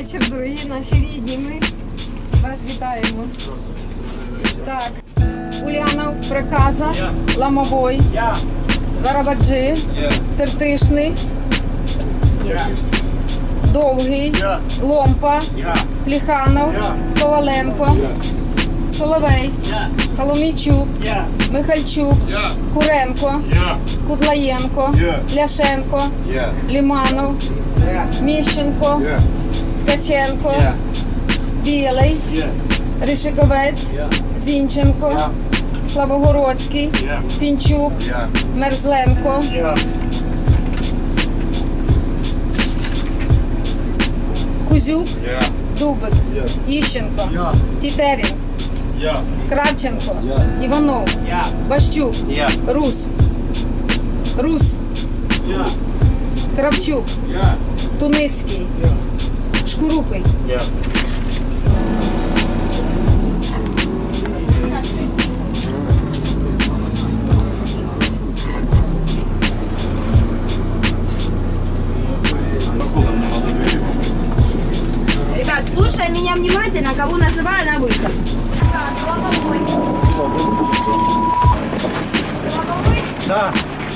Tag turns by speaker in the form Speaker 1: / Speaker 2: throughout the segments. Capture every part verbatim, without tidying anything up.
Speaker 1: вечір, дорогі наші рідні. Ми вас вітаємо. Так, Ульянов, Приказа, Ламовой, Гарабаджи, Тертишний, Довгий, Ломпа, Пліханов, Коваленко, Соловей, Коломійчук, Михальчук, Куренко, Кудлаєнко, Ляшенко, Ліманов, Міщенко, Ткаченко, Білий, Ришиковець, Зінченко, Славогородський, Пінчук, Мерзленко, Кузюк, Дубик, Іщенко, Тітерін, Кравченко, Іванов, Бащук, Рус, Рус, Кравчук, Туницький, Шкурупий.
Speaker 2: Ребят, слушай меня внимательно, кого называю на выход.
Speaker 3: Да.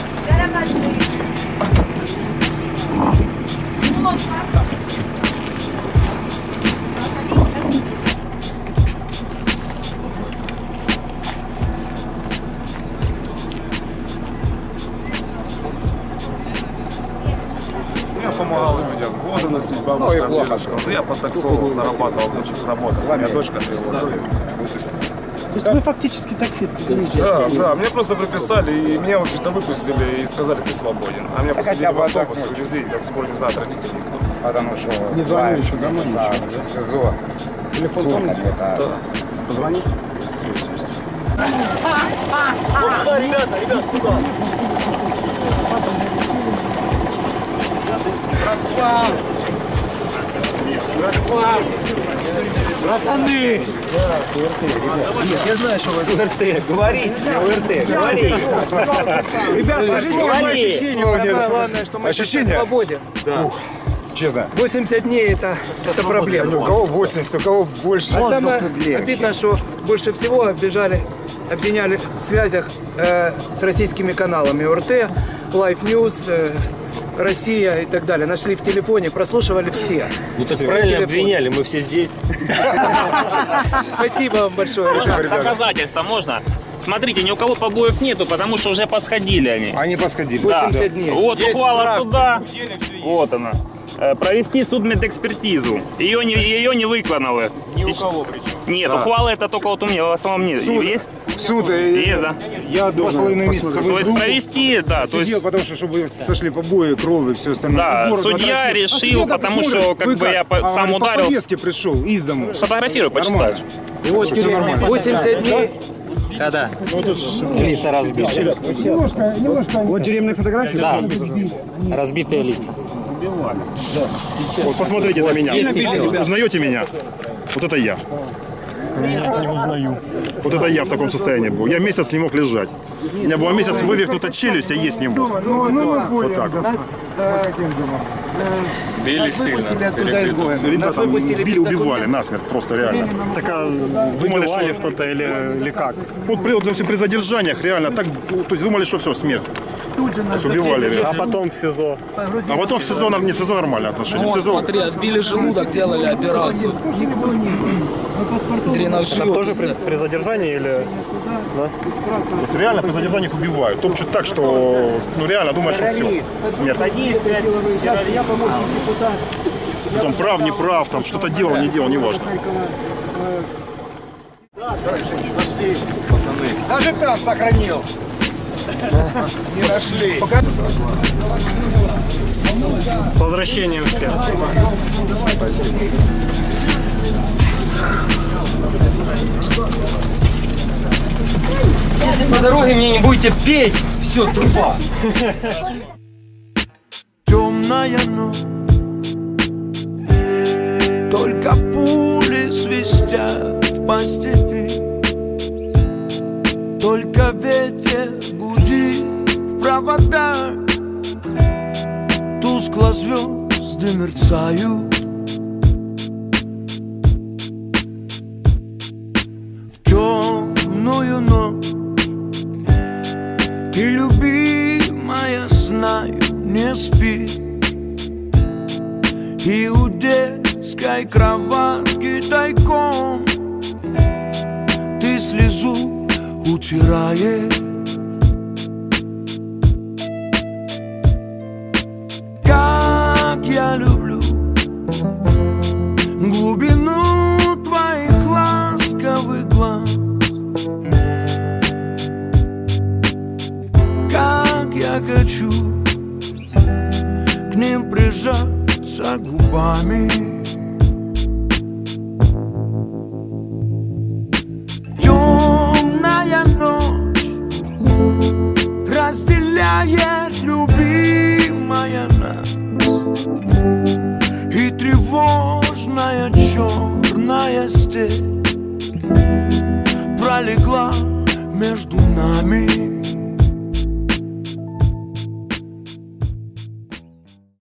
Speaker 4: Я помогал людям, воду носить, бабушкам, дедушкам. Я подтаксовывал, зарабатывал в лучших работах. У меня дочка требовала.
Speaker 3: То есть вы фактически таксист?
Speaker 4: Да, да, мне просто приписали, и меня, в общем-то, выпустили и сказали, ты свободен. А меня посадили в автобус, увезли, я с собой не знаю, родители никто.
Speaker 5: Потому что
Speaker 3: Не звоню еще, домой
Speaker 5: да,
Speaker 3: ничего, да?
Speaker 5: в СИЗО.
Speaker 3: Телефон
Speaker 5: Суд
Speaker 3: помните?
Speaker 5: какой-то.
Speaker 4: Да.
Speaker 3: Позвонить?
Speaker 6: Сюда, ребята, ребят, сюда. Братва! Братва! Братаны! Нет, я знаю, что вы УРТ. Говорите, УРТ, говорите. Ребят, скажите вам ощущения. Самое главное, что мы сейчас на свободе.
Speaker 5: Да. Честно.
Speaker 6: восемьдесят дней это, это проблема.
Speaker 5: У кого восемьдесят, у кого больше.
Speaker 6: А самое обидно, что больше всего обижали, обвиняли в связях э, с российскими каналами ОРТ, Life News, э, Россия и так далее. Нашли в телефоне, прослушивали все.
Speaker 7: Ну так
Speaker 6: Все
Speaker 7: правильно
Speaker 6: телефоны.
Speaker 7: обвиняли, мы все здесь.
Speaker 6: Спасибо вам большое.
Speaker 7: Доказательства можно? Смотрите, ни у кого побоев нету, потому что уже посходили они.
Speaker 5: Они посходили.
Speaker 6: восемьдесят дней.
Speaker 7: Вот ухвала суда, вот она. Э, Провести судмедэкспертизу. Ее не, ее не выконали.
Speaker 4: Ни у кого причем.
Speaker 7: Нет, ухвала это только вот у меня, в основном нет.
Speaker 5: Суд.
Speaker 7: Есть?
Speaker 5: Суд. э,
Speaker 7: Есть, да.
Speaker 5: Я два с половиной месяца
Speaker 7: То есть провести, да, то есть...
Speaker 5: сидел, потому что чтобы сошли побои, крови, все остальное.
Speaker 7: Да,
Speaker 5: И город
Speaker 7: судья
Speaker 5: отрастил.
Speaker 7: решил,
Speaker 5: А судья так
Speaker 7: потому
Speaker 5: смотрит,
Speaker 7: что, как
Speaker 5: вы
Speaker 7: бы, я по-
Speaker 5: А,
Speaker 7: сам
Speaker 5: говорит,
Speaker 7: ударился.
Speaker 5: По повестке пришел из дому.
Speaker 7: Сфотографируй, почитаешь.
Speaker 5: Нормально.
Speaker 6: восемьдесят дней.
Speaker 7: Когда? Лица разбиты.
Speaker 5: Немножко, немножко.
Speaker 3: Вот тюремные фотографии?
Speaker 7: Да, разбитые лица.
Speaker 8: Вот посмотрите на меня. Узнаете меня? Вот это я.
Speaker 3: Не узнаю.
Speaker 8: Вот это я в таком состоянии был. Я месяц не мог лежать. У меня была месяц вывихнута челюсть, а есть не мог.
Speaker 5: Ну, ну, мы поняли.
Speaker 8: Вот так вот.
Speaker 4: Били сильно.
Speaker 6: Нас выпустили без
Speaker 8: Били, убивали
Speaker 6: документов.
Speaker 8: насмерть, просто реально.
Speaker 3: Так а
Speaker 8: Думали,
Speaker 3: выбивали
Speaker 8: что-
Speaker 3: что-то или, или как?
Speaker 8: Вот при, вот, допустим, при задержаниях реально так, то есть думали, что все, смерть. То есть убивали
Speaker 3: А
Speaker 8: реально.
Speaker 3: потом в СИЗО.
Speaker 8: А потом в СИЗО, не в СИЗО нормальное отношение. В СИЗО
Speaker 9: Смотри, отбили желудок, делали операцию. Дренажи.
Speaker 3: Там тоже при, при задержании или...
Speaker 8: то есть реально при задержаниях убивают. Топчут так, что ну реально думаешь, что все, смерть. Потом прав, не прав, там что-то делал, не делал, неважно.
Speaker 5: Даже там сохранил.
Speaker 6: Не нашли.
Speaker 3: С возвращением всех.
Speaker 9: Если по дороге мне не будете петь, все, труба.
Speaker 10: Темная ночь, только пули свистят по степи, только ветер гудит в проводах, тускло звезды мерцают, не спит. И у детской кроватки тайком ты слезу утираешь. Как я люблю глубину твоих ласковых глаз, как я хочу к ним прижаться губами. Темная ночь разделяет любимая нас, и тревожная черная степь пролегла между нами.